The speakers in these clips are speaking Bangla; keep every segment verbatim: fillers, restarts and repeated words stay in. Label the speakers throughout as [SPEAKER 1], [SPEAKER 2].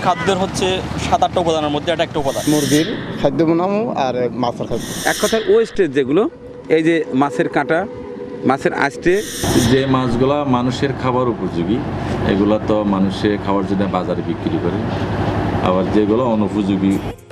[SPEAKER 1] খাদ্যের হচ্ছে সাত আটটা উপাদানের মধ্যে এটা একটা উপাদান।
[SPEAKER 2] মুরগির খাদ্য বানাবো আর মাছের খাদ্য।
[SPEAKER 3] এক কথায় ওয়েস্টেজ যেগুলো, এই যে মাছের কাঁটা, মাছের আষ্টে,
[SPEAKER 4] যে মাছগুলা মানুষের খাবার উপযোগী এগুলা তো মানুষে খাওয়ার জন্য বাজারে বিক্রি করে, আবার যেগুলো অনুপযোগী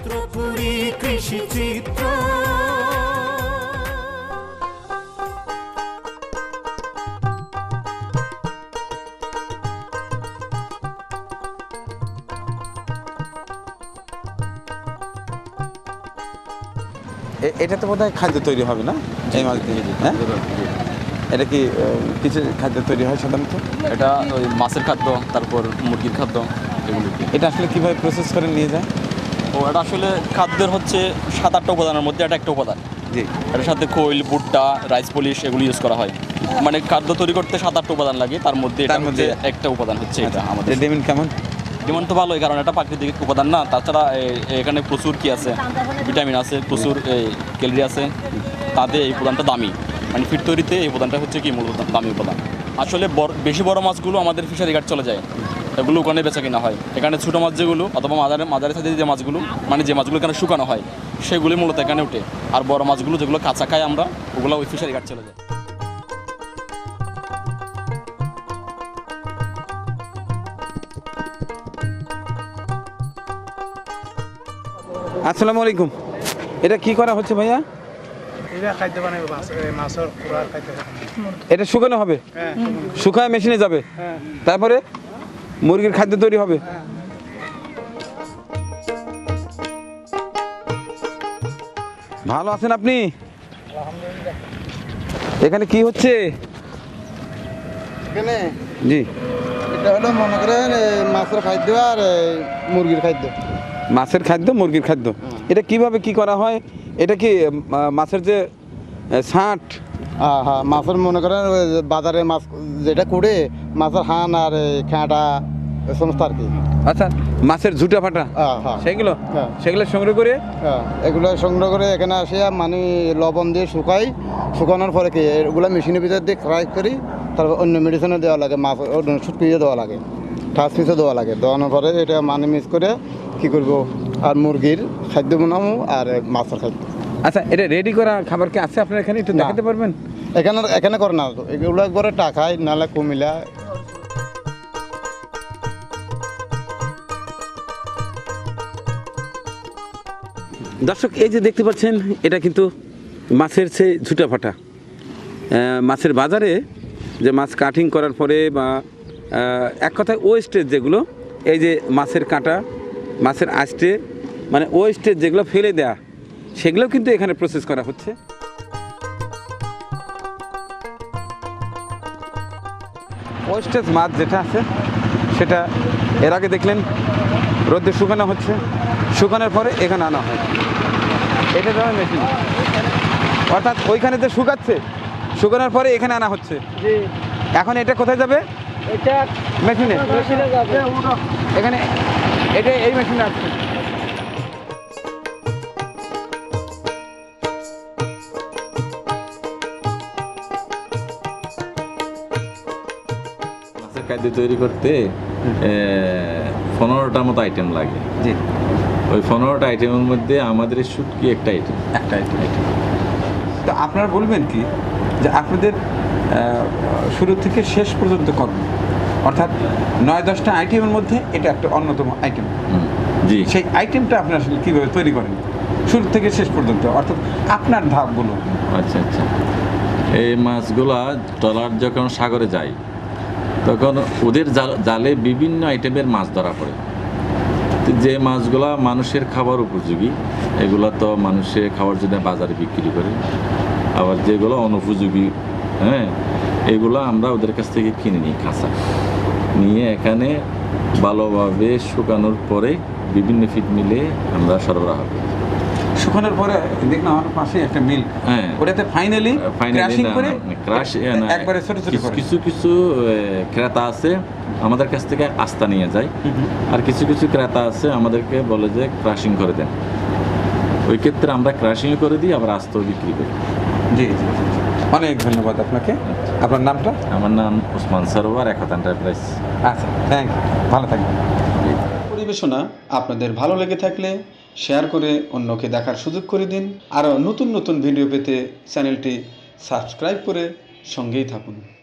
[SPEAKER 3] এ- এটা তো বোধহয় খাদ্য তৈরি হবে না এই মাছ দিয়ে? হ্যাঁ, এটা কি আহ, কিছু খাদ্য তৈরি হয় সাধারণত?
[SPEAKER 1] এটা ওই মাছের খাদ্য, তারপর মুরগির খাদ্য, এগুলো কি।
[SPEAKER 3] এটা আসলে কিভাবে প্রসেস করে নিয়ে যায়?
[SPEAKER 1] ও এটা আসলে খাদ্যের হচ্ছে সাত আটটা উপাদানের মধ্যে এটা একটা উপাদান।
[SPEAKER 3] জি,
[SPEAKER 1] এটার সাথে খৈল, ভুট্টা, রাইস পলিশ এগুলো ইউজ করা হয়। মানে খাদ্য তৈরি করতে সাত আটটা উপাদান লাগে, তার মধ্যে
[SPEAKER 3] তার
[SPEAKER 1] এটার মধ্যে
[SPEAKER 3] মধ্যে-
[SPEAKER 1] একটা উপাদান হচ্ছে এটা আমাদের।
[SPEAKER 3] এর ডিমান্ড কেমন?
[SPEAKER 1] ডিমান্ড তো ভালোই, কারণ এটা প্রাকৃতিক উপাদান না। তাছাড়া এ- এখানে প্রচুর কি আছে, ভিটামিন আছে, প্রচুর ক্যালোরি আছে, তাতে এই উপাদানটা দামি। মানে ফিট তৈরিতে এই উপাদানটা হচ্ছে কি মূল উপাদান, দামি উপাদান। আসলে বড় বেশি বড় মাছগুলো আমাদের ফিশারি ঘাট চলে যায়, এগুলো ওখানে বেচা কিনা হয়। এখানে ছোটো মাছ যেগুলো অথবা মাজারে মাজারের সাথে যে মাছগুলো, মানে যে মাছগুলো এখানে শুকানো হয়, সেগুলি মূলত এখানে ওঠে। আর বড় মাছগুলো যেগুলো কাঁচা খাই আমরা, ওগুলো ওই ফিশারি ঘাট চলে যায়।
[SPEAKER 3] আসসালামু আলাইকুম। এটা কি করা হচ্ছে ভাইয়া?
[SPEAKER 2] এটা খাদ্য বানাবো, মাছের পুরার খাদ্য বানাবো।
[SPEAKER 3] এটা শুকানো হবে?
[SPEAKER 2] হ্যাঁ,
[SPEAKER 3] শুকায় মেশিনে যাবে,
[SPEAKER 2] হ্যাঁ।
[SPEAKER 3] তারপরে মুরগির খাদ্য তৈরি হবে। ভালো আছেন আপনি? এখানে কি হচ্ছে?
[SPEAKER 2] এখানে
[SPEAKER 3] জি,
[SPEAKER 2] এটা হলো মনে করেন এই মাছের খাদ্য আর এই মুরগির খাদ্য।
[SPEAKER 3] মাছের খাদ্য, মুরগির খাদ্য। এটা কিভাবে কি করা হয়? এটা কি আহ, মাছের যে আহ, ছাঁট,
[SPEAKER 2] হ্যাঁ হ্যাঁ, মাছের মনে করেন ওই যে বাজারে মাছ যেটা কুড়ে মাছের হান আর এই খেঁটা এই সমস্ত আর কি।
[SPEAKER 3] আচ্ছা, মাছের ঝুটা ফাটা
[SPEAKER 2] হ্যাঁ হ্যাঁ
[SPEAKER 3] সেগুলো
[SPEAKER 2] হ্যাঁ।
[SPEAKER 3] সেগুলো সংগ্রহ করে
[SPEAKER 2] হ্যাঁ, এগুলো সংগ্রহ করে এখানে আসে মানে লবণ দিয়ে শুকাই, শুকানোর পরে কি এগুলো মেশিনের ভিতর দিয়ে ফ্রাই করি, তারপর অন্য মেডিসিনে দেওয়া লাগে, মাছ শুটকিয়ে দেওয়া লাগে, ঠাস পিসে দেওয়া লাগে। দেওয়ানোর পরে এটা মানে মিক্স করে কী করব আর মুরগির খাদ্য বানাবো আর মাছের খাদ্য।
[SPEAKER 3] আচ্ছা, এটা রেডি করা খাবার কি আছে আপনার এখানে? একটু
[SPEAKER 2] না।
[SPEAKER 3] দেখাতে পারবেন?
[SPEAKER 2] এখানে এখানে করে না, এগুলো একবারে টাকায় নাহলে কুমিলা।
[SPEAKER 3] দর্শক, এই যে দেখতে পাচ্ছেন, এটা কিন্তু মাছের সে ঝুটা ফাটা। আহ, মাছের বাজারে যে মাছ কাটিং করার পরে বা আহ, এক কথায় ওয়েস্টেজ যেগুলো, এই যে মাছের কাঁটা, মাছের আষ্টে, মানে ওয়েস্টেজ যেগুলো ফেলে দেয়া, সেগুলোও কিন্তু এখানে প্রসেস করা হচ্ছে। ওয়েস্টেজ মাছ যেটা আছে সেটা এর আগে দেখলেন রোদে শুকানো হচ্ছে, শুকানোর পরে এখানে আনা হয়। এটা যাবে মেশিন, অর্থাৎ ওইখানে যে শুকাচ্ছে, শুকানোর পরে এখানে আনা হচ্ছে। এখন এটা কোথায় যাবে?
[SPEAKER 2] এটা
[SPEAKER 3] মেশিনে।
[SPEAKER 2] মেশিনে যাবে।
[SPEAKER 3] এখানে এটা এই মেশিনে আসছে।
[SPEAKER 4] মাছের খাদ্য তৈরি করতে পনেরোটা মতো আইটেম লাগে।
[SPEAKER 3] জি,
[SPEAKER 4] ওই পনেরোটা আইটেমের মধ্যে আমাদের এই শুটকি একটা আইটেম।
[SPEAKER 3] একটা আইটেম। তো আপনারা বলবেন কি যে আপনাদের আহ, শুরু থেকে শেষ পর্যন্ত কর্ম, অর্থাৎ নয় দশটা আইটেমের মধ্যে এটা একটা অন্যতম আইটেম।
[SPEAKER 4] জি,
[SPEAKER 3] সেই আইটেমটা আপনি আসলে কীভাবে তৈরি করেন শুরু থেকে শেষ পর্যন্ত, অর্থাৎ আপনার ধাপগুলো?
[SPEAKER 4] আচ্ছা আচ্ছা। এই মাছগুলা ট্রলার যখন সাগরে যায় তখন ওদের জাল- জালে বিভিন্ন আইটেমের মাছ ধরা পড়ে। তো যে মাছগুলা মানুষের খাবার উপযোগী এগুলা তো মানুষে খাওয়ার জন্য বাজারে বিক্রি করে, আবার যেগুলো অনুপযোগী, হ্যাঁ, এগুলো আমরা ওদের কাছ থেকে কিনে নিই কাঁচা, নিয়ে এখানে ভালোভাবে শুকানোর পরে বিভিন্ন ফিট মিলে আমরা সরবরাহ করি।
[SPEAKER 3] শুকানোর পরে দেখলাম আমার পাশে একটা মিল,
[SPEAKER 4] হ্যাঁ,
[SPEAKER 3] ওটাতে ফাইনালি ক্রাশিং করে
[SPEAKER 4] ক্রাশ
[SPEAKER 3] একবারে ছোট ছোট করে।
[SPEAKER 4] কিছু কিছু এ, ক্রেতা আছে আমাদের কাছ থেকে আস্তা নিয়ে যায়, আর কিছু কিছু ক্রেতা আছে আমাদেরকে বলে যে ক্রাশিং করে দেন। ওই ক্ষেত্রে আমরা ক্রাশিং করে দিই, আবার আস্তাও বিক্রি করি।
[SPEAKER 3] জি জি জি। অনেক ধন্যবাদ আপনাকে। আপনার নামটা?
[SPEAKER 4] আমার নাম ওসমান সরোয়ার, একতা এন্টারপ্রাইজ।
[SPEAKER 3] আচ্ছা, থ্যাংক ইউ, ভালো থাকবেন।
[SPEAKER 5] পরিবেশনা আপনাদের ভালো লেগে থাকলে শেয়ার করে অন্যকে দেখার সুযোগ করে দিন। আরও নতুন নতুন ভিডিও পেতে চ্যানেলটি সাবস্ক্রাইব করে সঙ্গেই থাকুন।